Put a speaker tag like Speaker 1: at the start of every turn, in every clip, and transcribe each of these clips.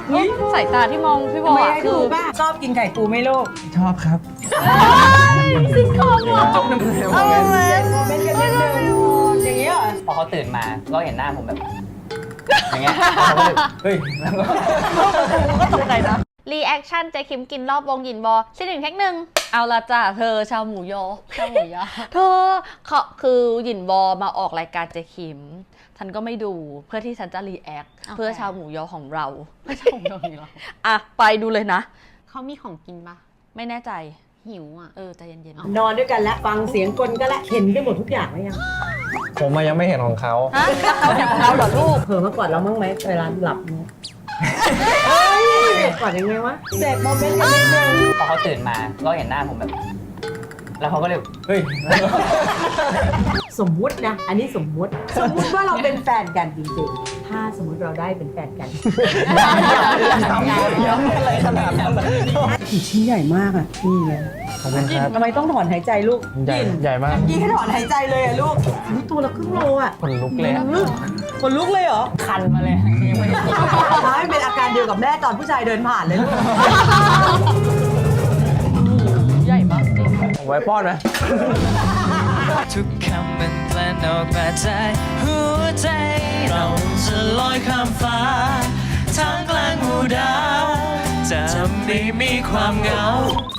Speaker 1: สายตาที่มองพี่บอ
Speaker 2: ไม่
Speaker 1: ล
Speaker 2: ให้ดูป่ะชอบกินไข่ปูไหม่ลูก
Speaker 3: ชอบครับ
Speaker 1: ซิงคองเหรอ
Speaker 3: จุ๊บน้ำเลย
Speaker 1: เอาเลย
Speaker 2: เป็นกันนิดนึงอย่างนี้เหรอ
Speaker 4: พอเขาตื่นมาก็เห็นหน้าผมแบบอย่างเงี้ยเขาก็เลยเฮ้ยแล้วก็
Speaker 1: ก็ตกใจนะรีแอคชั่นเจคิมกินรอบวงหยินบอชิ้นหนึ่งแท็กหนึ่งเอาละจ้ะเธอชาวหมูยอชาวหมูยอเธอเขาคือหยินบอมาออกรายการเจคิมฉันก็ไม่ดูเพื่อที่ฉันจะรีแอคเพื่อชาวหมูยอของเราไม่ใช่ของเราอ่ะไปดูเลยนะเขามีของกินปะไม่แน่ใจหิวอ่ะใจเย็นๆ
Speaker 2: นอนด้วยกันแล้วฟังเสียงกลก็แล้วเห็นไปหมดทุกอย่างแล้วยัง
Speaker 3: ผมยังไม่เห็นของเขา
Speaker 1: ฮะเขาเห็นของเราเหรอลูก
Speaker 2: เผลอมาก่อนเราบ้างไหมเวลาหลับเนี่ยก่อนยังไงวะเสร็จโมเมนต์กันนิดนึง
Speaker 4: พอเขาตื่นมาก็เห็นหน้าผมแบบ แล้วเขาก็เลยเฮ้ยแล้วก็
Speaker 2: สมมุตินะ อันนี้สมมุติว่าเราเป็นแฟนกันจริงๆ ถ้าสมมุติเราได้เป็นแฟนกันกี่ชิ้นใหญ่มากอ่ะนี่ไง
Speaker 3: ขอบคุณครับ
Speaker 2: ทำไมต้องถอนหายใจลูก
Speaker 3: ใหญ่มาก
Speaker 2: ยี่ให้ถอนหายใจเลยอะลูกอุ๊ยตัวละครึ่งโลอ่ะ
Speaker 3: คนลุกเลย
Speaker 2: คนลุกเลยเหรอ
Speaker 4: คันมาเลยยังไม่ได้กิน
Speaker 2: ไม่เป็นอาการเดียวกับแม่ตอนผู้ชายเดินผ่านเลยลูก
Speaker 1: ใหญ่มากจริง
Speaker 3: ไว้ป้อนไหม
Speaker 5: ทุกคำมันกลั่นออกมาจากหัวใจ เราจะลอยข้ามฟ้าทางกลางหมู่ดาวจะไม่มีความเหงา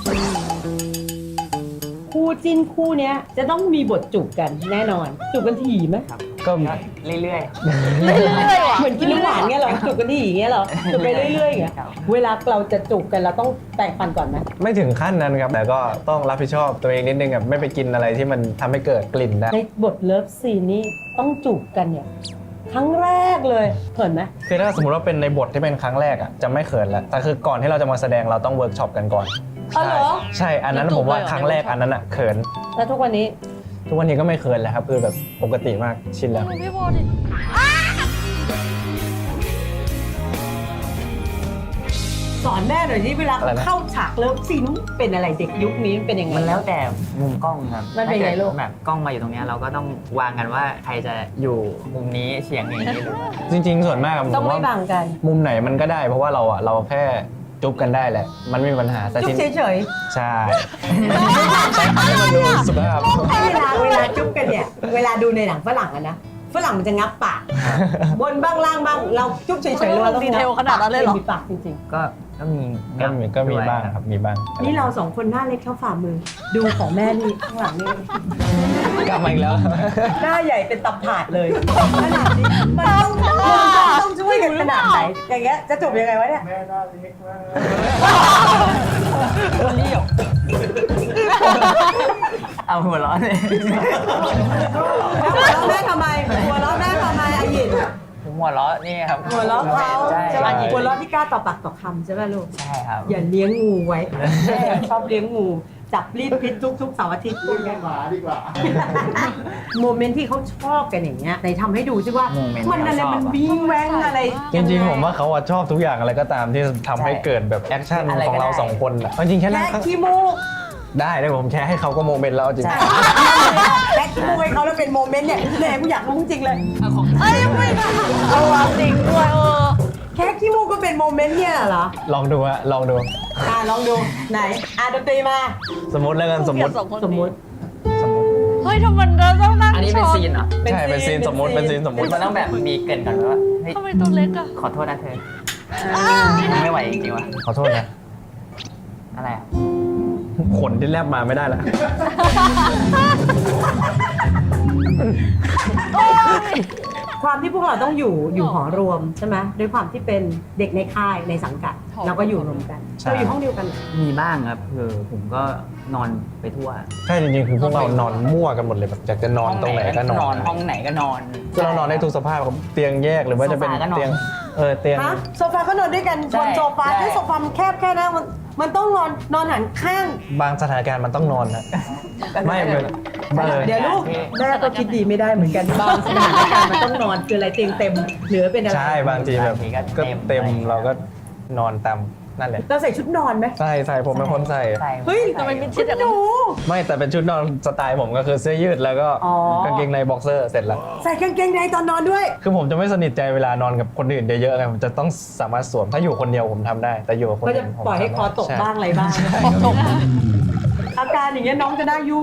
Speaker 2: คู่จิ้นคู่เนี้ยจะต้องมีบทจูบกันแน่นอน จูบกันถี่ไหม
Speaker 3: ก็
Speaker 4: เรื่อย
Speaker 1: เรื่อยๆว่ะ
Speaker 2: เหมือนกินน้ำหวานเงี้ยเหรอจูบกันถี่อย่างเงี้ยเหรอจูบไปเรื่อยๆอย่างเงี้ยเวลาเราจะจูบกันเราต้องแปรงฟันก่อนไหม
Speaker 3: ไม่ถึงขั้นนั้นครับ แต่ก็ต้องรับผิดชอบตัวเองนิดนึงแบบไม่ไปกินอะไรที่มันทำให้เกิดกลิ่นได้
Speaker 2: ในบทเลิฟซีนนี้ต้องจูบกันเนี่ยครั้งแรกเลยเขินไหม
Speaker 3: คือถ้าสมมติว่าเป็นในบทที่เป็นครั้งแรกอ่ะจะไม่เขินแล้วแต่คือก่อนที่เราจะมาแสดงเราต้องเวิร์กช็อปกันก่อน
Speaker 2: อ๋อเหรอ
Speaker 3: ใช่อันนั้นผมว่าครั้งแรกอันนั้นอ่ะเขิน
Speaker 2: แล้วทุกวันนี้
Speaker 3: ทุกวันนี้ก็ไม่เขินแล้วครับคือแบบปกติมากชินแล้ว
Speaker 1: พี่บอลดิ
Speaker 2: สอนแม่หน่อยที่เวลา
Speaker 3: อะไรนะ
Speaker 2: เข้าฉากเลิฟซีนเป็นอะไรเด็กยุคนี้เป็นยังไง
Speaker 4: มันแล้วแต่มุมกล้องครับ
Speaker 2: มันเป็นไงลูก
Speaker 4: ถ้าดแบบกล้องมาอยู่ตรงเนี้ยเราก็ต้องวางกันว่าใครจะอยู่มุมนี้เฉียงอย่างนี้หรือว่า
Speaker 3: จริงๆ ส่วนมากผม
Speaker 2: ต้องไม่
Speaker 3: ว่า
Speaker 2: บังกัน
Speaker 3: มุมไหนมันก็ได้เพราะว่าเราแค่จุ๊บกันได้แหละ มันไม่มีปัญหาแต่
Speaker 2: จุ๊บ
Speaker 3: ที
Speaker 2: เฉย
Speaker 3: ใช่ใช้คำให้มันดูสุภาพ
Speaker 2: ๆเวลาจุ๊บกันเนี่ยเวลาดูในหนังฝรั่งอะนะฝรั่งมันจะงับปากบนบ้างล่างบ้างเราจุ๊บเฉยๆเราต้อง
Speaker 1: ดีเทลขนาดนั้นเลยเหรอ
Speaker 2: มีปากจริง
Speaker 4: ก็มี
Speaker 3: ก็มี
Speaker 4: ด้วย
Speaker 3: บ้างครับมีบ้าง
Speaker 2: ๆนี่เราสองคนหน้าเล็กเท่าฝ่ามือ ดูของแม่นี่ข้างหลังนี่
Speaker 3: กลับมาอีกแล้ว
Speaker 2: หน้าใหญ่เป็นตับถาดเลยขนาดนี้มันต้องช่วยกันขนาดไหนอย่างเงี้ยจะจบยังไงวะเนี่ย
Speaker 4: เอาหัวเร้อนเลย
Speaker 2: หัวเราะแม่ทำไมหัวเราะแม่ทำไมอายิน
Speaker 4: ผมหัวเราะนี่ครับ
Speaker 2: หัวเราะเขา
Speaker 4: ใช่
Speaker 2: ใช่ไหม
Speaker 4: ใช่
Speaker 2: หัวเราะที่กล้าต่อปากต่อคำใช่ไหมลูก
Speaker 4: ใช่ครับ
Speaker 2: อย่าเลี้ยงงูไว้แม่ชอบเลี้ยงงูจับรีดพิษทุกเสาร์อาทิตย์พูดง่าย
Speaker 6: หมาดีกว่า
Speaker 2: โมเมนต์ที่เขาชอบกันอย่างเงี้ยไหนทำให้ดูซิว่า
Speaker 4: โมเมนต์
Speaker 2: มันอะไร
Speaker 4: ที่เขาชอบ
Speaker 2: มันวิ่งแว้งอะไร
Speaker 3: จริงๆ ผมว่าเขาอะชอบทุกอย่างอะไรก็ตามที่ทำให้เกิดแบบแอคชั่น
Speaker 4: อะไรก็
Speaker 3: ของเรา
Speaker 4: ได้
Speaker 3: สองคนอะจริงๆแค่นั้
Speaker 2: แค่
Speaker 3: น
Speaker 2: ขี้มูก
Speaker 3: ได้เลยผมแชร์ให้เขาก็โมเมนต์แล้วเอาจริง
Speaker 2: แค่ขี้มูกให้เขาแล้วเป็นโมเมนต์เนี่ยแหมกูอยากรู้จริงเลย
Speaker 1: เอ้ยไม่เอาว่ะจริงด้วย
Speaker 2: แค่ขี้มูกก็เป็นโมเมนต์เนี่ยเหรอ
Speaker 3: ลองดูฮะลองดู
Speaker 2: ลองดูไหนดนตรีมา
Speaker 3: สมมติแล้วกันสมมติ
Speaker 2: สมมติ
Speaker 1: เฮ้ยทำไมเราต้องนั่ง
Speaker 4: อันนี้เป็นซีนเหรอ
Speaker 3: ใช่เป็นซีนสมมติเป็นซีนสมมติ
Speaker 4: มันต้องแบบมีเกรินก่อนว่าเฮ้ย
Speaker 1: ทำไมตัวเล็กอะ
Speaker 4: ขอโทษนะเธอไม่ไหวจริงๆว่ะ
Speaker 3: ขอโทษนะ
Speaker 4: อะไรอ่ะ
Speaker 3: ขนที่แลบมาไม่ได้ละ
Speaker 2: ความที่พวกเราต้องอยู่หอรวมใช่ไหมด้วยความที่เป็นเด็กในค่ายในสังกัดเราก็อยู่รวมกันเราอยู่ห้องเดียวกันเหรอ
Speaker 4: มีบ้างครับคือผมก็นอนไปทั่ว
Speaker 3: ใช่จริงๆคือพวกเรานอนมั่วกันหมดเลยแบบอยากจะนอนตรงไหนก็นอน
Speaker 4: ห้องไหนก็นอน
Speaker 3: คือเรานอนได้ทุกสภาพครับเตียงแยกหรือว่าจะเป็น
Speaker 4: โซฟาก็นอน
Speaker 3: เตียงเตียง
Speaker 2: ฮะโซฟาก็นอนด้วยกัน
Speaker 4: ใช่
Speaker 2: บนโซฟา
Speaker 4: ใช่
Speaker 2: ถ้าโซฟามันแคบแค่นั้นมันต้องนอนหันข้าง
Speaker 3: บางสถานการณ์มันต้องนอนนะไม่เป็นเออ
Speaker 2: เดี๋ยวลูกแม่ก็คิดดีไม่ได้เหมือนกันบางสถานการณ์มันต้องนอนคืออะไรเตียงเต็มเหลือเป็นอะไร
Speaker 3: ใช่บางทีแบบก็เต็มเราก็นอนตามนั่นแหละ
Speaker 2: เราใส่ชุดนอนไหม
Speaker 3: ใส่ผมเป็นคนใส่
Speaker 4: ใส่
Speaker 2: เฮ้ย
Speaker 1: ทำไมมี
Speaker 2: ชุดหนู
Speaker 3: ไม่แต่เป็นชุดนอนสไตล์ผมก็คือเสื้อยืดแล้วก็
Speaker 2: อ๋อ
Speaker 3: กางเกงในบ็อกเซอร์เสร็จแล้ว
Speaker 2: ใส่กางเกงในตอนนอนด้วย
Speaker 3: คือผมจะไม่สนิทใจเวลานอนกับคนอื่นเยอะๆไงผมจะต้องสามารถสวมถ้าอยู่คนเดียวผมทำได้ แต่อยู่กับคน
Speaker 2: ก็
Speaker 3: อื่
Speaker 2: จะ
Speaker 3: นผม
Speaker 2: ปล่อยให้คอตก
Speaker 3: ใช่
Speaker 2: บ้างอะไรบ้าง อาการอย่างเงี้ยน้องจะได้อยู่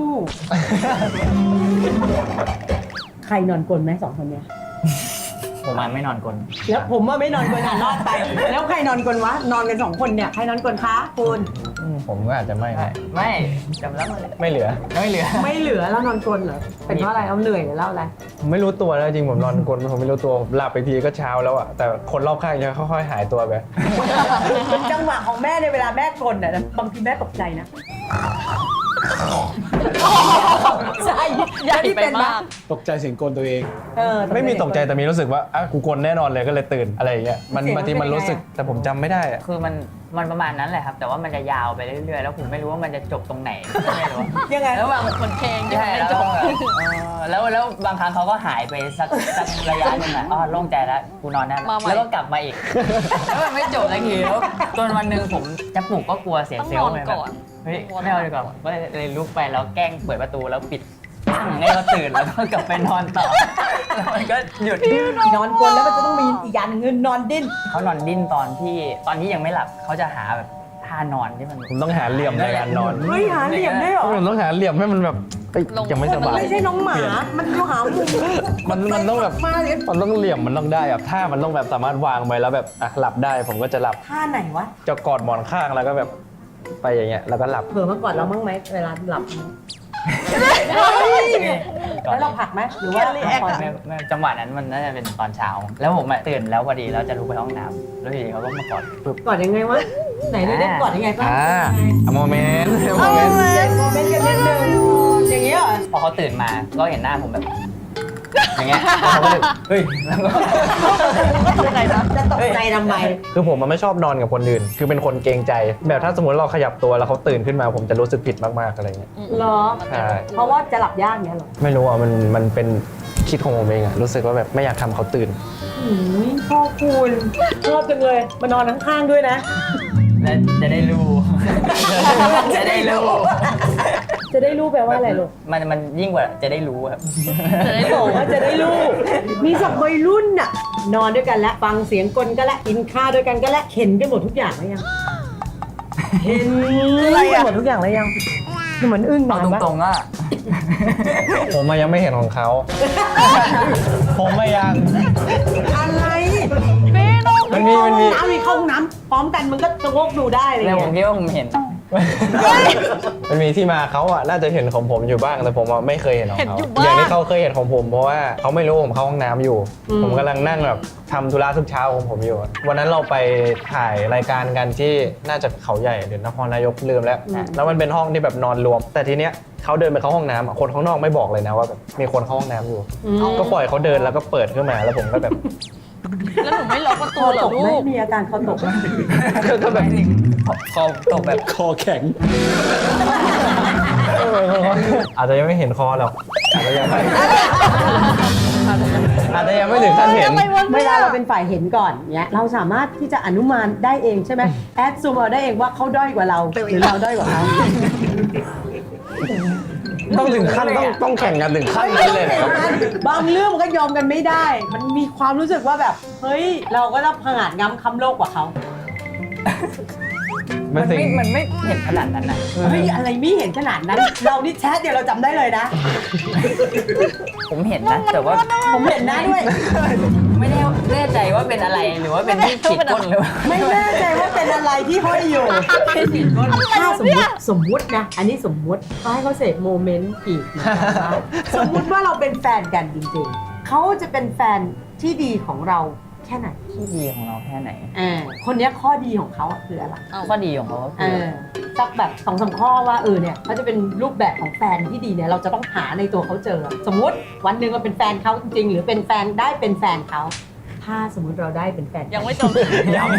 Speaker 2: ใครนอนกลนไหมสองคนเนี้ย
Speaker 4: ผมมันไม่นอนกลน
Speaker 2: แล้วผมว่าไม่นอนกลนอ่ะรอดไป แล้วใครนอนกลนวะ นอนกัน2 คนเนี่ย ใครนอนกลนคะคุณ
Speaker 3: ผมก็อาจจะไม่นะ
Speaker 4: ไม่จำแล้วมัน
Speaker 3: ไม่เหลือ
Speaker 4: ไม่เหลือ
Speaker 2: ไม่เหลือแล้วนอนกลนเหรอ เป็นเพราะอะไรเอาเหนื่อยหรือเล่าอะไร
Speaker 3: ผมไม่รู้ตัวแล้วจริงผมนอนกลนผมไม่รู้ตัวผมหลับไปทีก็เช้าแล้วอะแต่คนรอบข้างจะค่อยๆหายตัวไป
Speaker 2: จังหวะของแม่ในเวลาแม่กลนอ่ะบางทีแม่ตกใจนะใช่
Speaker 1: ใหญ่ไปมาก
Speaker 6: ตกใจเสียงกลตัวเอง
Speaker 3: ไม่มีตกใจแต่มีรู้สึกว่าอ่ะกูกลนแน่นอนเลยก็เลยตื่นอะไรอย่างเงี้ยมันบางทีมันรู้สึกแต่ผมจำไม่ได้อะ
Speaker 4: คือมันประมาณนั้นแหละครับ แต่ว่ามันจะยาวไปเรื่อยๆ แล้วผมไม่รู้ว่ามันจะจบตรงไหนไม่รู้
Speaker 2: ยังไง
Speaker 4: แล้วบาง
Speaker 1: คนเพลงยัง
Speaker 4: ใช่
Speaker 1: ไม่
Speaker 4: แล้ว
Speaker 1: จบ
Speaker 4: แล้วบางครั้งเขาก็หายไปสักระยะหนึงอ่ะอ๋อโล่งใจแล้วกูนอนได้แล้วแล้วก็กลับมาอีก แล้วมันไม่จบสักทีแล้วจนวันหนึ่งผมจะปลุกก็กลัวเสีย
Speaker 1: ต้อง
Speaker 4: เซล
Speaker 1: นอ
Speaker 4: ล์
Speaker 1: น
Speaker 4: ไปแบ
Speaker 1: ก่
Speaker 4: บ
Speaker 1: อน
Speaker 4: เฮ้ยไม่เอาดีกว่าก็เลยลุกไปแล้วแกล้งเปิดประตูแล้วปิดปั้งให้เขาตื่นแล้วก็กลับไปนอนต่อแล้วมันก็หยุด
Speaker 2: นอนกลนแล้วมันจะต้องมีอีกอย่างหนึงคือนอนดิ้น
Speaker 4: เขานอนดิ้นตอนที่ยังไม่หลับเขาจะหาแบบท่านอนที่มัน
Speaker 3: ผมต้องหาเหลี่ยมในการนอน
Speaker 2: เฮ้ยหาเหลี่ยมได้เหรอ
Speaker 3: ผมต้องหาเหลี่ยมให้มันแบบเอ้ยยังไม่ส
Speaker 2: มัน
Speaker 3: บาย
Speaker 2: ไม่ใช่น้องหมา
Speaker 3: เปลี่ยน
Speaker 2: มันต้องหามุม
Speaker 3: มันต้องแบบ
Speaker 2: มาเลย
Speaker 3: มันต้องเหลี่ยมมันต้องได้แบบท่ามันต้องแบบสามารถวางไว้แล้วแบบอ่ะหลับได้ผมก็จะหลับ
Speaker 2: ท่าไหนวะ
Speaker 3: จะกอดหมอนข้างแล้วก็แบบไปอย่างเงี้ยแล้วก็หลับ
Speaker 2: เผลอมาก่อนเราบ้างไหมเวลาหลับ
Speaker 4: ก่อน
Speaker 2: แล้วเราผลักไหมหรือว่า
Speaker 4: ไม่จังหวะนั้นมันน่าจะเป็นตอนเช้า แล้วผมอะตื่นแล้วพอดีแล้วจะลุกไปห้องน้ำแล้วทีนี้เขาก็มากอดปึ๊บ
Speaker 2: กอดยังไงวะไหนได้กอดยังไงบ้าง
Speaker 3: โมเมนต์โมเมนต์
Speaker 2: เจ็บโมเมนต์กันนิดนึงอย่างเงี้ยเหรอ
Speaker 4: พอเขาตื่นมาก็เห็นหน้าผมแบบ อย่างเงี้ยแล้วเขาก็เลยเฮ้ยแล้วก็
Speaker 1: ก็ตกใจนะ
Speaker 2: จะตกใจทำไม
Speaker 3: คือผมมันไม่ชอบนอนกับคนอื่น คือเป็นคนเกรงใจ แบบถ้าสมมติเราขยับตัวแล้วเขาตื่นขึ้นมาผมจะรู้สึกผิดมากๆอะไรเงี้ย
Speaker 2: เหรอ
Speaker 3: ใช่
Speaker 2: เพราะว่าจะหลับยากเงี้ยเหรอ
Speaker 3: ไม่รู้อ่ะมันเป็นคิดของผมเองอ่ะรู้สึกว่าแบบไม่อยากทำเขาตื่น
Speaker 2: พ่อคุณชอบจังเลยมานอนข้างๆด้วยนะ
Speaker 4: แล้วจะได้รู้ จะได้รู้
Speaker 2: จะได้รู้แปลว่าอะไรลูก
Speaker 4: มันยิ่งกว่าจะได้รู้ครับ
Speaker 1: จะได้
Speaker 2: บ
Speaker 1: รู้
Speaker 2: อกว่าจะได้รู้ มีสักวัยรุ่นน่ะ นอนด้วยกันแล้วฟังเสียงกลก็แล้วกินข้าวด้วยกันก็แล้วเห็นกันหมดทุกอย่างแล้วยัง เห็นกันหมดทุกอย่างแล้วยังคือเหมือนอึ้ง
Speaker 4: เอา
Speaker 2: นานปะ
Speaker 4: ตรงๆอ่ะ
Speaker 3: ผมอะยังไม่เห็นของเขา ผมไม่ยัง
Speaker 2: อะไร
Speaker 3: มันมี
Speaker 2: น้ำมีเข้าห้องน้ำพร้อมกันมันก็จะงกดูได้เลย
Speaker 4: แล้วผมคิดว่าผมเห็น
Speaker 3: มันมีที่มาเขาอ่ะน่าจะเห็นของผมอยู่บ้างแต่ผมอะไม่เคยเห็นของ
Speaker 1: เห็น
Speaker 3: เขา
Speaker 1: อยู่บ้าง
Speaker 3: อย่างที่เขาเคยเห็นของผมเพราะว่าเขาไม่รู้ผมเข้าห้องน้ำอยู่ ผมกำลังนั่งแบบทำธุระทุกเช้าของผมอยู่ วันนั้นเราไปถ่ายรายการกันที่น่าจะเขาใหญ่หรือนครนายกลืมแล้ว แล้วมันเป็นห้องที่แบบนอนรวม แต่ทีเนี้ยเขาเดินไปเข้าห้องน้ำอะคนข้างนอกไม่บอกเลยนะว่าแบบมีคนเข้าห้องน้ำอยู่ ก็ปล่อยเขาเดินแล้วก็เปิดขึ้นมาแล้วผมก็แบบ
Speaker 1: แล้วหนูไม่ล็อกประ
Speaker 2: ค
Speaker 1: ตู
Speaker 2: อ
Speaker 1: เหร
Speaker 2: ต
Speaker 1: อก
Speaker 2: ไหม
Speaker 1: ลูก
Speaker 2: มีอาการคอตกไหม
Speaker 3: ก็แบบ
Speaker 4: คอตกแบบ
Speaker 6: คอแข็ง
Speaker 3: อาจจะยังไม่เห็นคอหรอกอาจจะยังไม่ถึงขั้นเห็น
Speaker 2: เวลาเราเป็นฝ่ายเห็นก่อนเนี้ยเราสามารถที่จะอนุมานได้เองใช่ไหมแอดซูมเอาได้เองว่าเขาด้อยกว่าเราหรือเราด้อยกว่าเขา
Speaker 3: ต้องถึงขั้นต้องแข่งกันถึงขั้นนั้นเลยเหรอครับ
Speaker 2: บางเรื่องมันก็ยอมกันไม่ได้ มันมีความรู้สึกว่าแบบเฮ้ยเราก็ต้องผงาดง้ำค้ำโลกกว่าเขา
Speaker 4: มันไม่เห็นขนาดนั้นนะ
Speaker 2: เฮ้ยอะไรไม่เห็นขนาดนั้น เรานี่แชทเดี๋ยวเราจำได้เลยนะ
Speaker 4: ผมเห็นนะแต่ว่า
Speaker 2: ผมเห็นนะด้วย
Speaker 4: ไม่แน่ใจว่าเป็นอะไรหรือว่าเป็นที่ขีดก้นหรือว่า
Speaker 2: ไม่แน่ใจว่าเป็นอะไรที่ห้อยอยู่ถ้าสมมุตินะ อันนี้สมมุติเขาให้เขาเสพโมเมนต์อีกนะคะสมมุติว่าเราเป็นแฟนกันจริงๆ เขาจะเป็นแฟนที่ดีของเราแค่ไหน
Speaker 4: ที่ดีของเราแค่ไหน
Speaker 2: คนเนี้ยข้อดีของเขาอะคืออะไร
Speaker 4: ข้อดีของเขาก็คือ
Speaker 2: สักแบบ2-3 ข้อว่าเนี่ยเขาจะเป็นรูปแบบของแฟนที่ดีเนี่ยเราจะต้องหาในตัวเขาเจอ สมมุติวันหนึ่งเราเป็นแฟนเขาจริงๆหรือเป็นแฟนได้เป็นแฟนเขาทถ้าสมมุติเราได้เป็นแฟนกัน
Speaker 1: ยังไม่จบ
Speaker 4: ย้ำ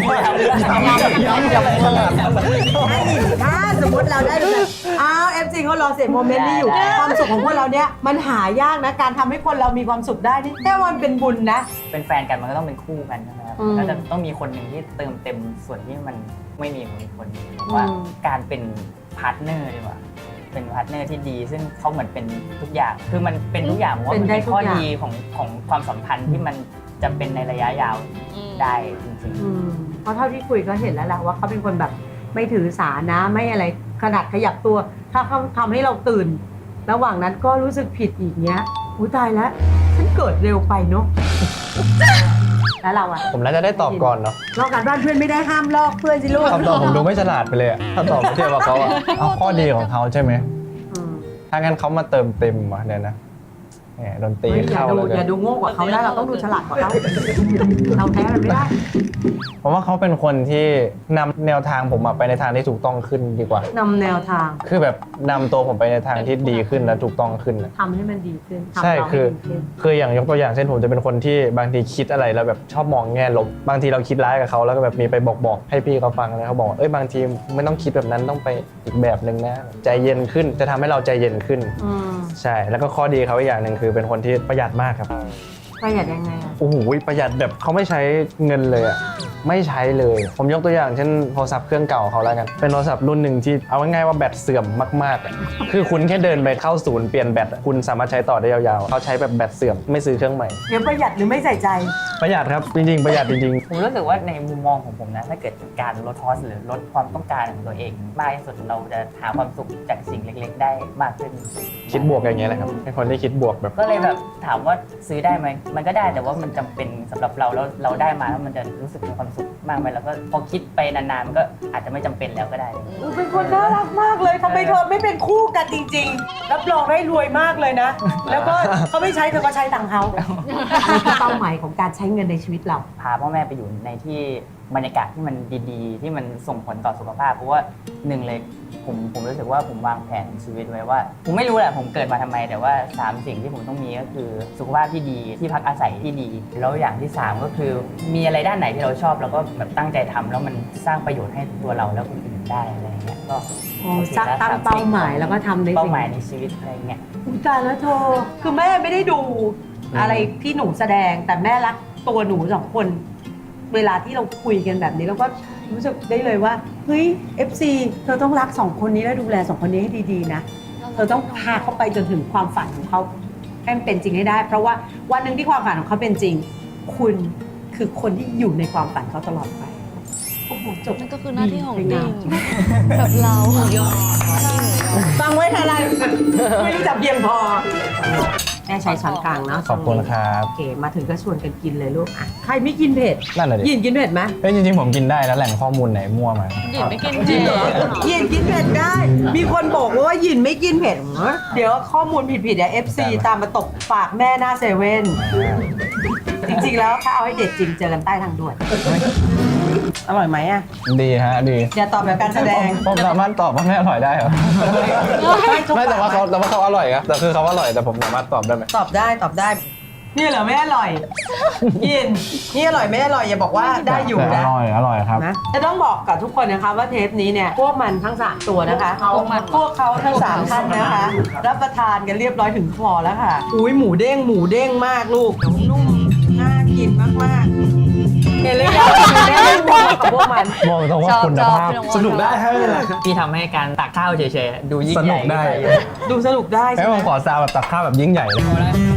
Speaker 2: ถ้าสมมติเราได้เป็นแฟนอ้าวFC เขารอเสพโมเมนต์นี้อยู่ความสุขของพวกเราเนี้ยมันหายากนะการทำให้คนเรามีความสุขได้นี่แค่วันเป็นบุญนะ
Speaker 4: เป็นแฟนกันมันก็ต้องเป็นคู่กันใช่ไหมครับ
Speaker 2: อืม
Speaker 4: ก็จะต้องมีคนหนึ่งที่เติมเต็มส่วนที่มันไม่มีของอีกคนหนึ่งผมว่า
Speaker 2: อืม
Speaker 4: การเป็นพาร์ทเนอร์ดีกว่าเป็นพาร์ทเนอร์ที่ดี ซึ่งเขาเหมือนเป็นทุกอย่างคือมันเป็นทุกอย่างผมว่ามันเป็นข้อดีของความสัมพันธ์ที่มันจะเป็นในระยะยาวได้จริงๆ
Speaker 2: เพราะเท่าที่คุยก็เห็นแล้วแหละว่าเขาเป็นคนแบบไม่ถือสานะไม่อะไรขนาดขยับตัว ถ้าเขาทำให้เราตื่น ระหว่างนั้นก็รู้สึกผิดอีกเนี้ยอุ้ยตายแล้วฉันเกิดเร็วไปเนาะ แล้วเราอะ
Speaker 3: ผมน่าจะได้ตอบก่อนเนาะ
Speaker 2: ลอกการบ้านเพื่อนไม่ได้ห้ามลอกเพื่อนสิลูก
Speaker 3: คำตอบผมดูไม่ฉลาดไปเลยอะถ้าตอบไม่เทียบกับเขาอะเอาข้อดีของเขาใช่ไหม
Speaker 2: อืม
Speaker 3: ถ้างั้นเขามาเติมเต็มว่ะเดี๋ยวนะแหมดนตรี
Speaker 2: เฮ้ยอย่า
Speaker 3: เข้า
Speaker 2: ดู
Speaker 3: แล้ว
Speaker 2: อย่า
Speaker 3: กัน
Speaker 2: ดูโง่กว่าเขานะเราต้องดูฉลาดกว่าเขาเราแพ้มันไม่ได้
Speaker 3: เพราะว่าเขาเป็นคนที่นำแนวทางผมอะไปในทางที่ถูกต้องขึ้นดีกว่า
Speaker 2: นำแนวทาง
Speaker 3: คือแบบนำตัวผมไปในทางที่ดีขึ้นและถูกต้องขึ้นอะ
Speaker 2: ทำให้มันดีขึ้นทำ
Speaker 3: ใช่
Speaker 2: เราให้
Speaker 3: คือ
Speaker 2: ดีขึ้น
Speaker 3: คืออย่างยกตัวอย่างเช่นผมจะเป็นคนที่บางทีคิดอะไรแล้วแบบชอบมองแง่ลบบางทีเราคิดร้ายกับเขาแล้วก็แบบมีไปบอกให้พี่เขาฟังแล้วเขาบอกว่าบางทีไม่ต้องคิดแบบนั้นต้องไปอีกแบบหนึ่งนะใจเย็นขึ้นจะทำให้เราใจเย็นขึ้น
Speaker 2: อืม
Speaker 3: ใช่แล้วก็ข้อดีเขาอีกอย่างหนึ่งคือเป็นคนที่ประหยัดมากครับ
Speaker 2: ประหยัดยังไงอะ
Speaker 3: โอ้โหประหยัดแบบเขาไม่ใช้เงินเลยอ่ะไม่ใช้เลย ผมยกตัวอย่างเช่นโทรศัพท์เครื่องเก่าเขาแล้วกันเป็นโทรศัพท์รุ่นหนึ่งที่เอาง่ายๆว่าแบตเสื่อมมากๆอะคือคุณแค่เดินไปเข้าศูนย์เปลี่ยนแบตอะคุณสามารถใช้ต่อได้ยาวๆเขาใช้แบบแบตเสื่อมไม่ซื้อเครื่องใหม่
Speaker 2: เดี๋ยวประหยัดหรือไม่ใส่ใจ
Speaker 3: ประหยัดครับจริงๆประหยัดจริง
Speaker 4: ผมรู้สึกว่าในมุมมองของผมนะถ้าเกิดการลดคอสหรือลดความต้องการของตัวเองมากที่สุดเราจะหาความสุขจากสิ่งเล็ก ๆ ได้มากขึ้น
Speaker 3: ๆคิดบวกอย่างเงี้ยแหละครับเป็นคนที่คิดบวกแบบ
Speaker 4: ก็เลยแบบถามว่าซื้อได้ไหมมันก็ได้แต่ว่ามันจำเป็นสำหรับเราแล้วเราได้มาแล้วมันจะรู้สึกมีความสุขมากไหมแล้วก็พอคิดไปนานๆมันก็อาจจะไม่จำเป็นแล้วก็ได้
Speaker 2: เป็นคนน่ารักมากเลยทำไมเธอไม่เป็นคู่กันจริงๆ รับรองได้รวยมากเลยนะ แล้วก็เขาไม่ใช้เธอก็ใช้ตังค์เขาอะไรคือเป้าหมายของการใช้เงินในชีวิตเรา
Speaker 4: พาพ่อแม่ไปอยู่ในที่บรรยากาศที่มันดีๆ ที่มันส่งผลต่อสุขภาพเพราะว่าหนึ่งเลยผมรู้สึกว่าผมวางแผนชีวิตไว้ว่า ผมไม่รู้แหละผมเกิดมาทำไมแต่ว่า 3 สิ่งที่ผมต้องมีก็คือสุขภาพที่ดีที่พักอาศัยที่ดี แล้วอย่างที่ 3 ก็คือมีอะไรด้านไหนที่เราชอบแล้วก็แบบตั้งใจทำแล้วมันสร้างประโยชน์ให้ตัวเราแล้วคนอื่นได้อะไรอย่างเงี้ยก็โอเค
Speaker 2: ตั้ง
Speaker 4: แล้ว
Speaker 2: เป้าหมายแล้วก็ทำในสิ่ง
Speaker 4: เป้าหมายในชีวิตอะไรเงี้ย
Speaker 2: อุ๊ยตายแล้วเธอคือแม่ไม่ได้ดูอะไรที่หนูแสดงแต่แม่รักตัวหนูสองคน เวลาที่เราคุยกันแบบนี้เราก็รู้สึกได้เลยว่าเฮ้ย FC เธอต้องรักสองคนนี้และดูแลสองคนนี้ให้ดีๆนะเธอต้องพาเขาไปจนถึงความฝันของเขาให้มันเป็นจริงให้ได้ เพราะว่าวันหนึ่งที่ความฝันของเขาเป็นจริง คุณคือคนที่อยู่ในความฝันเขาตลอดไปโอ้โหจบ
Speaker 1: นั่นก็คือหน้าที่ของ
Speaker 2: ดี
Speaker 1: ดิ่งแบบเรายอด
Speaker 2: ฟังไว้อะไร ไม่รู้จักเพียงพอแม่ใช้ช้อนกลางเนาะ
Speaker 3: ขอบคุณครับ
Speaker 2: โอเคมาถึงก็ชวนกันกินเลยลูกอ่ะใครไม่กินเผ็ด
Speaker 3: นั่นแหละดิ
Speaker 2: ยินกินเผ็ดไหม
Speaker 3: จริงๆผมกินได้แล้วแหล่งข้อมูลไหนมั่วมา
Speaker 1: ดิ่งไม่กินเผ็ด
Speaker 2: ยินกินเผ็ดได้ มีคนบอกว่ายินไม่กินเผ็ดเหรอเดี๋ยวข้อมูลผิดๆเดี๋ยว FC ตามมาตกปากแม่หน้าเซเว่นจริงๆแล้วถ้าเอาให้เด็ดจริงเจอกันใต้ทางด่วนอร่อยไหมอ่ะ
Speaker 3: ดีฮะดี
Speaker 2: อย่าตอบแบบการแสดง
Speaker 3: ผมสามารถตอบว่าไม่อร่อยได้เหรอไม่แต่ว่าเขาอร่อยครับแต่คือเขาอร่อยแต่ผมสามารถตอบได้ไหม
Speaker 2: ตอบได้นี่เหรอไม่อร่อยยินนี่อร่อยไม่อร่อยอย่าบอกว่าได้อยู่
Speaker 3: แต่
Speaker 2: นะ
Speaker 3: อร่อยครับ
Speaker 2: นะจะต้องบอกกับทุกคนนะคะว่าเทปนี้เนี่ยพวกมันทั้ง3ตัวนะคะพวกเขาทั้ง3ท่านนะคะรับประทานกันเรียบร้อยถึงคอแล้วค่ะอุ้ยหมูเด้งมากลูกนุ่มน่ากินมากๆเห็นเลยค่ะกับพวกมัน
Speaker 3: มองตรงว่าคุณภาพสนุกได้ฮะ
Speaker 4: ที่ทำให้การตักข้าวเฉยๆดูยิ่ง
Speaker 3: ส
Speaker 4: ให
Speaker 3: นุ
Speaker 4: ญ่
Speaker 3: กได้
Speaker 2: ดูสนุกได้
Speaker 3: ให้
Speaker 2: ใช่ไห
Speaker 3: ผม มขอซาวแบบตักข้าวแบบยิ่งใหญ่เลย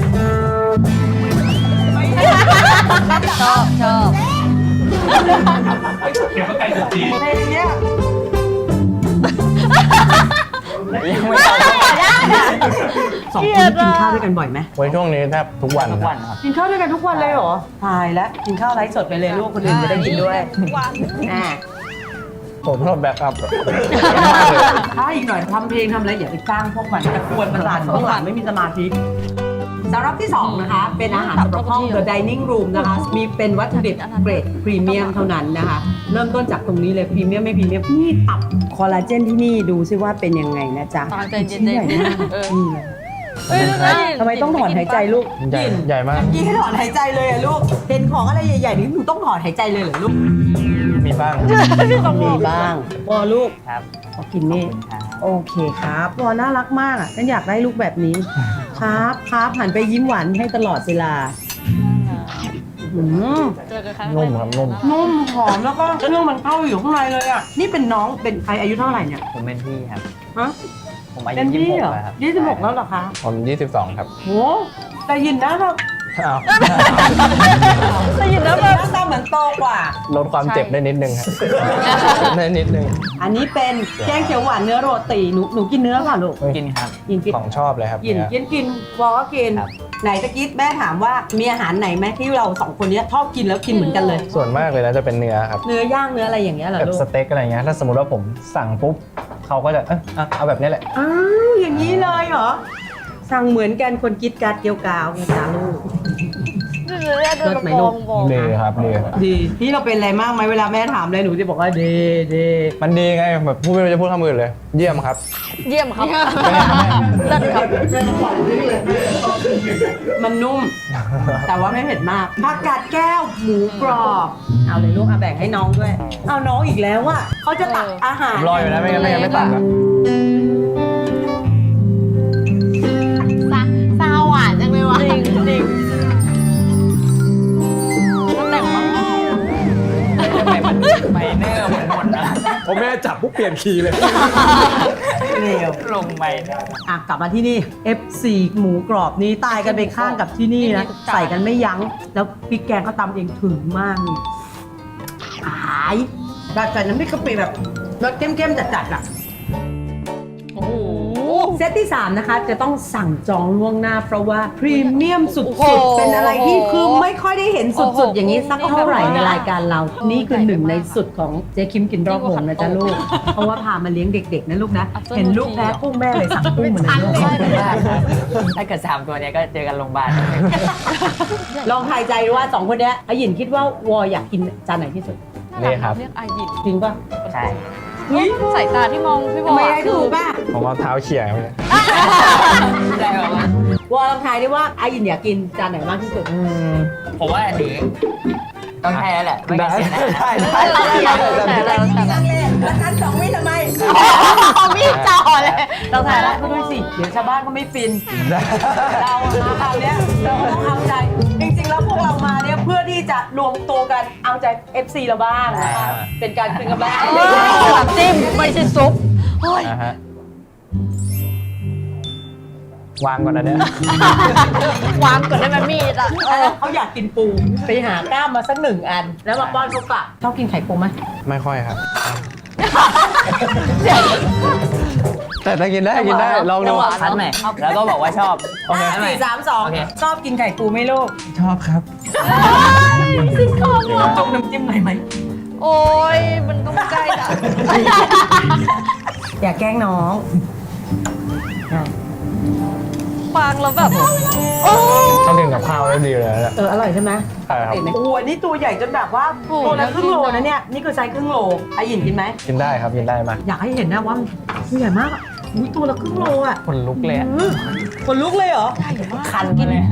Speaker 1: ชอบ
Speaker 2: ในเนี้ย
Speaker 4: ยังไม่ต้อง
Speaker 2: สองคนกินข้าวด้วยกันบ่อยไหม
Speaker 3: ไว้ช่วงนี้แทบทุกวัน
Speaker 4: ทุก
Speaker 3: นะ
Speaker 4: วันครับ
Speaker 2: กินข้าวด้วยกันทุกวันเลยเหรอตายแล้วกินข้าวไลฟ์สดไปเลยลูกคนอื่นจะได้กินด้วยอ่า
Speaker 3: ผมชอบแบ็คอัพ
Speaker 2: ถ้าอีกหน่อยทำเพลงทำอะไรอย่าไปจ้างพวกมันจะกวนประสาทพวกหลานไม่มีสมาธิสำหรับที่ 2 นะคะ เป็นอาหารสำหรับห้อง The Dining Room นะคะ มีเป็นวัตถุดิบเกรดพรีเมียมเท่านั้นนะคะ เริ่มต้นจากตรงนี้เลยพรีเมียมไม่พรีเมียมนี่ตับคอลลาเจนที่นี่ดูซิว่าเป็นยังไงนะจ๊ะ
Speaker 1: ตามใจเย็นๆ
Speaker 2: ชิ้นใหญ่มาก
Speaker 1: เออ
Speaker 2: นี่เลยทำไมต้องถอนหายใจลูก
Speaker 3: ใหญ่ใหญ่มาก
Speaker 2: ยี่ให้ถอนหายใจเลยอะลูกเห็นของอะไรใหญ่ๆนี่หนูต้องถอนหายใจเลยเหรอลูก
Speaker 3: มีบ้าง
Speaker 2: มีบ้างวอลูก
Speaker 4: ครับ
Speaker 2: ขอกินนี่
Speaker 4: ครับ
Speaker 2: โอเคครับวอน่ารักมากอ่ะฉันอยากได้ลูกแบบนี้ ครับครับหันไปยิ้มหวานให้ตลอดเวลาอืม
Speaker 1: เจอกันครั้ง
Speaker 3: นุ่มครับนุ่ม
Speaker 2: นุ่มหอมแล้วก็เครื่องมันเข้าอยู่ข้างในเลยอ่ะนี่เป็นน้องเป็นใครอายุเท่าไหร่เนี่ย
Speaker 4: ผมเป็นพี่ครับ
Speaker 2: ฮะ
Speaker 4: ผมอา
Speaker 2: เป็
Speaker 4: ยุ
Speaker 2: นพี่เหรอ
Speaker 4: 26แล้วครับ
Speaker 2: 26แล้วเหรอคะ
Speaker 3: ผม22 ครับ
Speaker 2: โหแต่ยินนะแบบ
Speaker 3: อ้าว
Speaker 1: ได้ยินแล้ว
Speaker 2: ห
Speaker 1: แบบ
Speaker 2: น้าตาเหมือนโตกว่า
Speaker 3: ลดความเจ็บได้นิดนึงครับได้นิดนึง
Speaker 2: อันนี้เป็นแกงเขียวหวานเนื้อโรตีหนูกินเนื้อเปล่ะลูก
Speaker 4: กินครับ
Speaker 2: กิน
Speaker 3: ของชอบเลยครับ
Speaker 2: กิน
Speaker 3: เนี่ย
Speaker 2: กินวอก็กิน
Speaker 4: ครับ
Speaker 2: ไหนตะกี้แม่ถามว่ามีอาหารไหนไหมที่เราสองคนเนี้ยชอบกินแล้วกินเหมือนกันเลย
Speaker 3: ส่วนมากเลยนะจะเป็นเนื้อครับ
Speaker 2: เนื้อย่างเนื้ออะไรอย่างเงี้ยเหรอ
Speaker 3: แบบ
Speaker 2: ลูก
Speaker 3: สเต็กอะไรเงี้ยถ้าสมมติว่าผมสั่งปุ๊บเขาก็จะเอาแบบนี้แหละ
Speaker 2: อ้าวอย่างนี้เลยเหรอสั่งเหมือนกันคนกิดการเกี่ยวกาวไงจ้าลูก
Speaker 1: เดินกระโปรงบอก
Speaker 3: ดีครับดี
Speaker 2: ดีพี่เราเป็นอะไรมากไหมเวลาแม่ถามอะไรหนูจะบอกว่าเด
Speaker 3: มันดีไงแบบพูดไม่รู้จะพูดคำอื่นเลย เยี่ยมครับ
Speaker 1: เยี่ยมครับเลิศครับ
Speaker 2: มันนุ่ม แต่ว่าไม่เผ็ดมากผักกาดแก้วหมูกรอบเอาเลยลูกเอาแบ่งให้น้องด้วยเอาน้องอีกแล้วอ่ะเขาจะตักอาหาร
Speaker 3: รออยู่นะไม่งั้นไม่ตัดอะ
Speaker 1: ซาวหวานจังเลยวะจริงจริงแต่งมั้ง
Speaker 4: ทำไมมันไมเนอร์เหมือนหมดนะ
Speaker 3: ผมแม่จับปุ๊บเปลี่ยนคีย์เลย
Speaker 2: เร็ว
Speaker 4: ลงไมเนอร์
Speaker 2: อ่ะกลับมาที่นี่ F4 หมูกรอบนี้ตายกันไปข้างกับที่นี่นะใส่กันไม่ยั้ง แล้วพริกแกงเขาตำเองถึงมากนี่หายแบบใส่น้ำพริกกะปิแบบรสเข้มๆจัดๆอ่ะ
Speaker 1: โอ้โห
Speaker 2: เซตที่ 3 นะคะ จะต้องสั่งจองล่วงหน้าเพราะว่าพรีเมียมสุ
Speaker 1: โอ้โห
Speaker 2: ดๆ เป็นอะไรที่คือไม่ค่อยได้เห็น
Speaker 1: โอ้โห
Speaker 2: สุดๆ อย่างนี้สักเท่าไหร่ในรายการเรา นี่คือหนึ่งในสุดของเจ๊คิมกินรอบวงนะจ๊ะลูก เพราะว่าพามาเลี้ยงเด็กๆนะลูกนะ เห็นลูกแพ้กุ้งแม่เลยสั่งกุ้งมาเลยลูก
Speaker 4: ถ้าเกิด3ตัวเนี้ยก็เจอกันโรงพยาบาล
Speaker 2: ลองทายใจดูว่า 2 คนเนี้ยอาหยินคิดว่าวออยากกินจานไหนที่สุด
Speaker 3: นี่ครับ
Speaker 1: เรียกอายิน
Speaker 2: จริงป่ะ
Speaker 4: ใช่
Speaker 1: สายตาที่มองพี่บอ
Speaker 2: ทำ
Speaker 1: ล
Speaker 2: ไม
Speaker 1: อะ
Speaker 2: ได้
Speaker 1: คื
Speaker 2: ถู
Speaker 1: อก
Speaker 2: ป่ะ
Speaker 3: ผมเอาเท้าเขี่ยไปเลย
Speaker 4: ได้แบบว่าว
Speaker 2: อลองทายได้ว่าอาหยินอยากกินจานไหนมากที่สุด
Speaker 4: ผมว่าอันนี้ต้องใช่แล้วแหละไม่งั้นเสียหน้า
Speaker 2: แล้วกัน2 วิทำไม
Speaker 1: มีดจ่อเลยเรา
Speaker 2: แต่
Speaker 1: ถ่าย
Speaker 2: ละ
Speaker 1: แล้ว
Speaker 2: ก็ด้วยสิ เดี๋ยวชาวบ้านก็ไม่ฟิน เรามาคราวเนี้ยเราต้องเอาใจ จริงๆ แล้วพวกเรามาเนี่ยเพื่อที่จะรวมตัวกันเอาใจ FC เราบ้างนะคะเป็นการคืนกำไร
Speaker 1: น้ำจิ้มไม่ใช่ซุปเฮ้ย
Speaker 3: นะฮะวางก่อนนะเนี่ยว
Speaker 1: างก่อนได้ไหมมีดอ่ะ
Speaker 2: เขาอยากกินปู ไปหากล้ามมาสัก1 อัน แล้วมาป้อนเขากลับชอบกินไข่ปูไหม
Speaker 3: ไม่ค่อยครับ แต่ถ้ากินได้กินได้ลองดู
Speaker 4: คันใหม่แล้วก็บอกว่าชอบ
Speaker 3: โอเค
Speaker 2: 4 3
Speaker 4: โอเค
Speaker 2: 2 ชอบกินไข่ปูไหมลูก
Speaker 3: ชอบครับ
Speaker 2: จุ่มน้ำจิ้มหน่อยไหม
Speaker 1: โอ้ยมันต้องใกล้อ่ะ
Speaker 2: อย่าแกล้งน้อง
Speaker 1: ฟังแล้วแบบโอ้
Speaker 3: ต้องกินกับข้าวได้ดีเลยนะ
Speaker 2: อร่อยใช่ไหม
Speaker 3: ใช่ครับ
Speaker 2: โอ้อันนี้ตัวใหญ่จนแบบว่าตัวละครึ่งโลนะเนี่ย นี่คือไซส์ครึ่งโลอาหยินกินไหม
Speaker 3: กินได้ครับกินได้มา
Speaker 2: อยากให้เห็นนะว่ามันตัวใหญ่มากอ่ะอุ้ยตัวละครึ่งโลอ่ะ
Speaker 3: คนลุกเลยอะ
Speaker 2: คนลุกเลยเหรอ
Speaker 4: คันกินเลย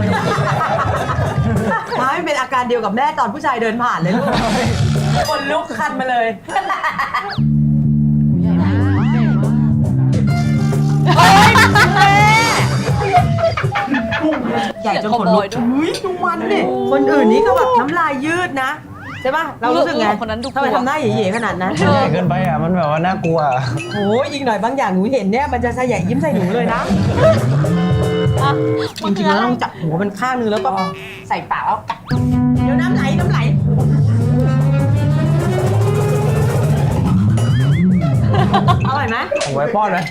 Speaker 2: ท้ายเป็นอาการเดียวกับแม่ตอนผู้ชายเดินผ่านเลยลูก คนลุกคันมาเลย ใหญ่จนขนลุกอุ้ยดูมันดิคนอื่นนี่ก็แบบน้ำลายยืดนะ ใช่ป่ะ เรารู้สึกไง
Speaker 1: คนนั้นดู
Speaker 2: ทำไมทำหน้าเหย่ๆขนาดนั้น
Speaker 3: ใหญ่เกินไปอ่ะมันแบบว่าน่ากลัว
Speaker 2: โอ้ยอีกหน่อยบางอย่างหนูเห็นเนี่ยมันจะใส่ใหญ่ยิ้มใส่หนูเลยนะ จริงๆแล้วต้องจับหัวมันข้างนึงแล้วก็ใส่ปากแล้วกัดเดี๋ยวน้ำไหลอร่อยไหม
Speaker 3: ผมไว้ป้อนไหม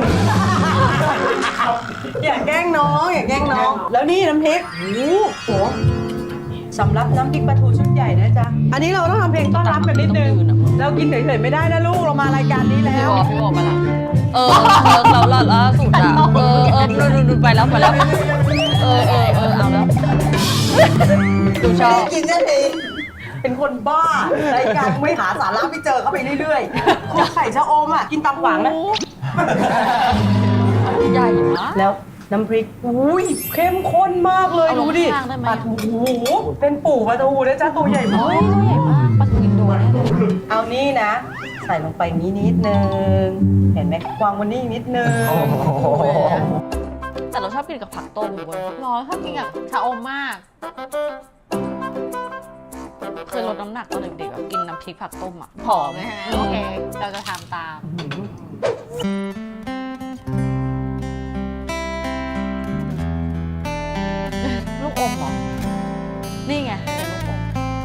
Speaker 2: อย่าแกล้งน้องอย่าแกล้งน้อง แล้วนี่น้ำพริกโอ้โหสำหรับน้ำพริกปลาทูชุดใหญ่นะจ๊ะ อันนี้เราต้องทำเพลงต้อนรับกันนิดนึง เรากินเฉยๆไม่ได้นะลูก เรามารายการนี้แล้ว
Speaker 1: พี่บอกมาละเราล่าสุดอ่ะดูไปแล้วเอาแล้วดูชอบ
Speaker 2: กินได้ทีเป็นคนบ้ารายการไม่หาสาระไม่เจอเข้าไปเรื่อยๆคุณไข่ชะอมอ่ะกินตำหวางนะ
Speaker 1: ใหญ่มาก
Speaker 2: แล้วน้ำพริกอุ้ยเข้มข้นมากเลย
Speaker 1: เอาล
Speaker 2: ดู
Speaker 1: ง
Speaker 2: ดิ
Speaker 1: ข้างได้ไหม
Speaker 2: ปลาทูเป็นปู่ปลาทูนะจ๊ะตัวใหญ่มาก
Speaker 1: เฮ้ยตัวใหญ่มากปลาทูอินโดแน่เลย
Speaker 2: เอานี่นะ ใส่ลงไปนิดนึงเห็นไหมวางบนนี้นิดนึง
Speaker 1: แต่เราชอบกินกับผักต้มเว้ยร้อนชอบกินกับชาอมมาก เคยลดน้ำหนักตอนเด็กๆแบบกินน้ำพริกผักต้มอ่ะผอมนะฮะโอเค เราจะทำตาม ลูกอมเหรอ นี่ไงเป็นลูกอม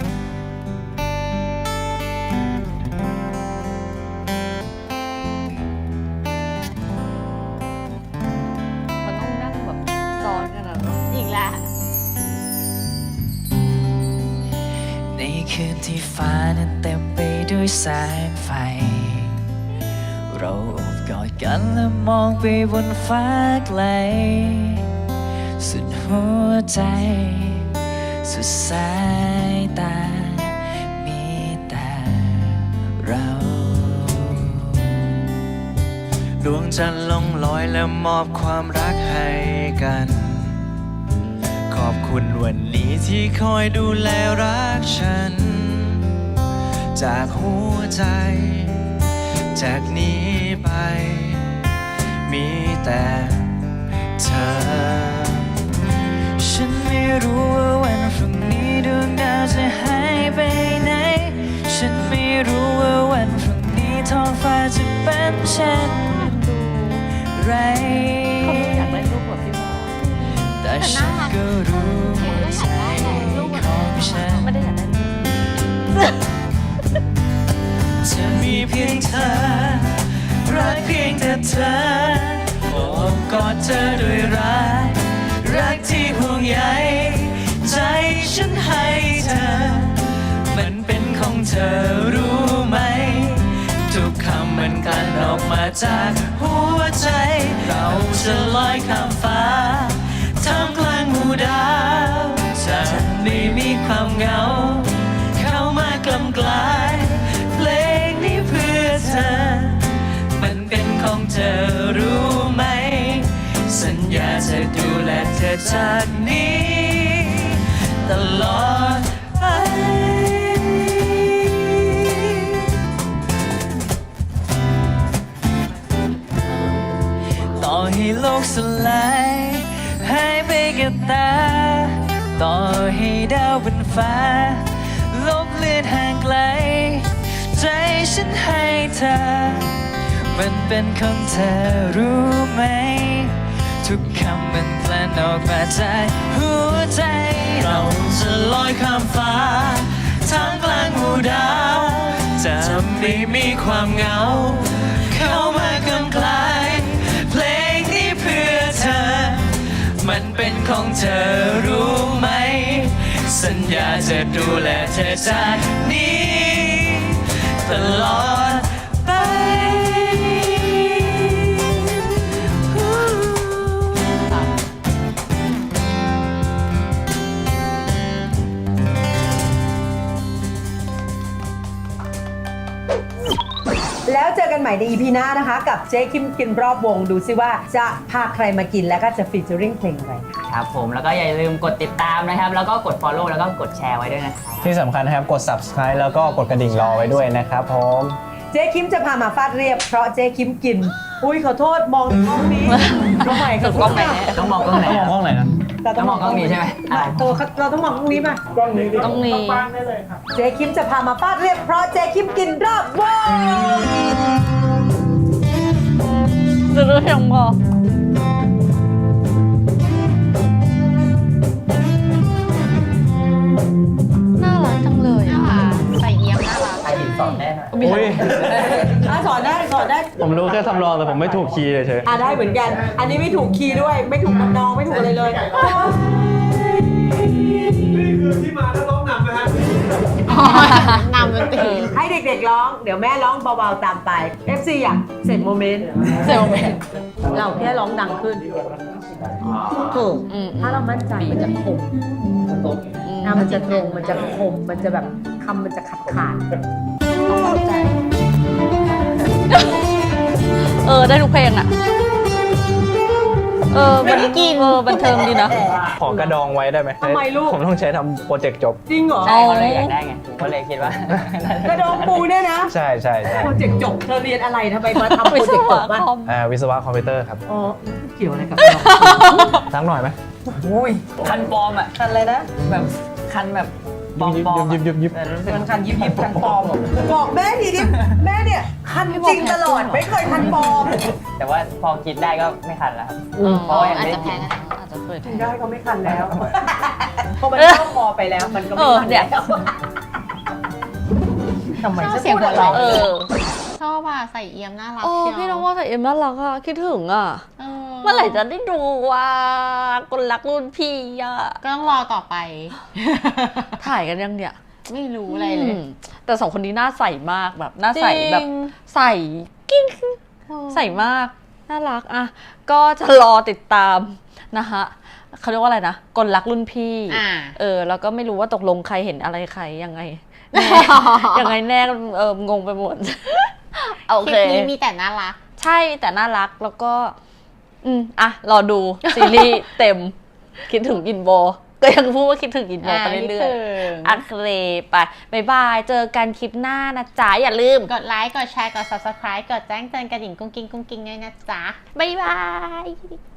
Speaker 1: มันต้องนั่งแบบซ้อนกันอะอีกแล้ว
Speaker 5: ในคืนที่ฟ้านั้นเต็มไปด้วยแสงไฟ เราโอบกอดกันและมองไปบนฟ้าไกล สุดหัวใจ สุดสายตา มีแต่เรา ดวงจันทร์ลงลอยและมอบความรักให้กัน ขอบคุณวันนี้ที่คอยดูแลรักฉัน จากหัวใจ จากนี้ไป มีแต่เธอ ฉันไม่รู้ว่าวันพรุ่งนี้ดวงดาวจะหายไปไหน ฉันไม่รู้ว่าวันพรุ่งนี้ท้องฟ้าจะเป็นเช่นไร
Speaker 1: เขาไม่อยากได้รูปแบบพี่บอล
Speaker 5: แต่ฉันก็รู้ว่าใจของฉัน
Speaker 1: ไม่ได้อยากได้รูป
Speaker 5: จะมีเพียงเธอ รักเพียงแต่เธอโอบกอดเธอด้วยรักที่ห่วงใยใจฉันให้เธอ มันเป็นของเธอรู้ไหม ทุกคำมันกลั่นออกมาจากหัวใจ เราจะลอยข้ามฟ้าท่ามกลางหมู่ดาวจะไม่มีความเหงา เข้ามากล่ำกลายเพลงนี้เพื่อเธอ มันเป็นของเธอรู้ไหม สัญญาจะดูแลเธอจากนี้ตลอดไป ต่อให้โลกสลายหายไปกับตา ต่อให้ดาวบนฟ้า ลบเลือนห่างไกล ใจฉันให้เธอ มันเป็นของเธอรู้ไหม ทุกคำมันกลั่นออกมาจากหัวใจ เราจะลอยข้ามฟ้าท่ามกลางหมู่ดาวจะไม่มีความเหงา เข้ามากำกลายเพลงนี้เพื่อเธอ มันเป็นของเธอรู้ไหม สัญญาจะดูแลเธอจากนี้ตลอดไป
Speaker 2: แล้วเจอกันใหม่ใน EP หน้านะคะ กับเจ๊คิมกินรอบวงดูซิว่าจะพาใครมากินแล้วก็จะฟีเจอริ่งเพลงอะไรค่ะ
Speaker 4: ครับผมแล้วก็อย่าลืมกดติดตามนะครับ แล้วก็กด follow แล้วก็กดแชร์ไว้ด้วยนะครับ
Speaker 3: ที่สำคัญนะครับกด subscribe แล้วก็กดกระดิ่งรอไว้ด้วยนะครับผม
Speaker 2: เจ๊คิมจะพามาฟาดเรียบเพราะเจ๊คิมกิน อุ้ยขอโทษมองกล้องนี้กล้องใหม่
Speaker 1: สุดกล้องไหนเนี่ย
Speaker 4: ต้องมองกล้องไหน
Speaker 3: ต้องมองกล้องไหนนะ
Speaker 4: ต้องมองกล้องนี้ใช่ไหม
Speaker 2: เราต้องมองกล้องนี้มา
Speaker 1: ต้องมี
Speaker 2: เจ๊คิมจะพามาฟาดเรียบเพราะเจ๊คิมกินรอบวง
Speaker 1: จะรู้ยังบอกน่ารักจังเลยอ่ะใส่เอี้ยมน่ารัก
Speaker 4: ใครสอนแน่นอน
Speaker 3: อุ้ย
Speaker 2: สอนได้สอนได้
Speaker 3: ผมรู้แค่ทำรองแต่ผมไม่ถูกคีย์เฉย
Speaker 2: ได้เหมือนกัน อันนี้ไม่ถูกคีย์ด้วย ไม่ถูกน้องไม่ถูกอะไรเลย
Speaker 6: นี่คือที่มาถ้าร้องนำนะฮะ
Speaker 1: นำมันตี
Speaker 2: ให้เด็กๆร้อง เดี๋ยวแม่ร้องเบาๆตามไป FC อยากเสร็จโมเมนต์
Speaker 1: เซลเมน
Speaker 2: เราแค่ร้องดังขึ้นถูกถ้าเรามั่นใจมันจะคมมันจะตรง มันจะคม มันจะแบบคำมันจะขาด
Speaker 1: ใจได้ทุกเพลงอ่ะมันกินบันเทิงดีนะ
Speaker 3: ขอกระดองไว้ได้ไหม
Speaker 2: ทำไมลูก
Speaker 3: ผมต้องใช้ทำโปรเจกต์จบ
Speaker 2: จริงเหรอ
Speaker 4: ใช่เขาเลยอยากได้ไงผมก็เลยคิดว่า
Speaker 2: กระดองปูเนี่ยนะ
Speaker 3: ใช่ใช่ใช่
Speaker 2: โปรเจกต์จบเธอเรียนอะไรทำไมมาทำโปร
Speaker 1: วิศ
Speaker 2: เจกต์จ
Speaker 1: วะ
Speaker 2: บบ้าง
Speaker 1: คอม
Speaker 3: วิศวะคอมพิวเตอร์ครับ
Speaker 2: อ๋อเกี่ยวอะไรกับกระดองปู
Speaker 3: สักหน่อยไหม
Speaker 4: อุ้ยคันปลอมอ่ะ
Speaker 2: คันอะไรนะ
Speaker 4: แบบคันแบบปลอมปลอม
Speaker 3: ยิบ
Speaker 4: รู้สึก
Speaker 2: มันคันยิบยิบคันปลอมบอกแม่ทีดิแม่เนี่ยคันจริงตลอดไม่เคยคันปลอม
Speaker 4: แต่ว่าพอคิดได้ก็ไม่คันแล้วครับ เพ
Speaker 1: อ๋อ
Speaker 4: ราะว่ายัง
Speaker 1: อาจ
Speaker 4: ไม่
Speaker 1: จะ
Speaker 4: ได้
Speaker 1: แพ้
Speaker 4: กิน
Speaker 1: กันอาจจะเคยแพ้
Speaker 2: ได้ก็ไม่คันแล้วเพราะมันเข้าคอไปแล้วมันก็ไม่คัน
Speaker 1: เนี่ย
Speaker 2: แล้วทำไม
Speaker 7: ชอบ
Speaker 2: ฉัน
Speaker 7: เสียง
Speaker 2: พูด
Speaker 7: หัว
Speaker 2: อะไร
Speaker 7: เราะ
Speaker 1: เออ
Speaker 7: ชอบอ่ะใส่เอี่ยมน่ารัก
Speaker 1: โอ้
Speaker 7: เชียว
Speaker 1: พี่น้องว่าใส่เอ็มน่ารักอะคิดถึงอะ
Speaker 7: เออ
Speaker 1: เมื่อไหร่จะได้ดูว่าคนรักรุ่นพี่อะ
Speaker 7: ก็ต้องรอต่อไป
Speaker 1: ถ่ายกันยังเนี่ย
Speaker 7: ไม่รู้อะไรเลย
Speaker 1: แต่สองคนนี้น่าใส่มากแบบน่าใส่
Speaker 7: จริง
Speaker 1: แบบใส่กิ้งใส่มากน่ารักอะก็จะรอติดตามนะคะเขาเรียกว่าอะไรนะคนรักรุ่นพี่ แล้วก็ไม่รู้ว่าตกลงใครเห็นอะไรใครยังไงแน่ ยังไงแน่งงไปหมด โอ
Speaker 7: คลิ
Speaker 1: เค
Speaker 7: ปนี้มีแต่น่ารัก
Speaker 1: ใช่แต่น่ารักแล้วก็รอดูซีรีส์เต็มคิดถึงอินโบก็ยังพูดว่าคิดถึงอินโบไปเรื่อยๆโอเคไปบ๊ายบายเจอกันคลิปหน้านะจ๊ะอย่าลืม
Speaker 7: กดไลค์ กดแชร์ กด subscribe กดแจ้งเตือนกระดิ่งกุ้งกิ้งด้วยนะจ๊ะ
Speaker 1: บ๊ายบาย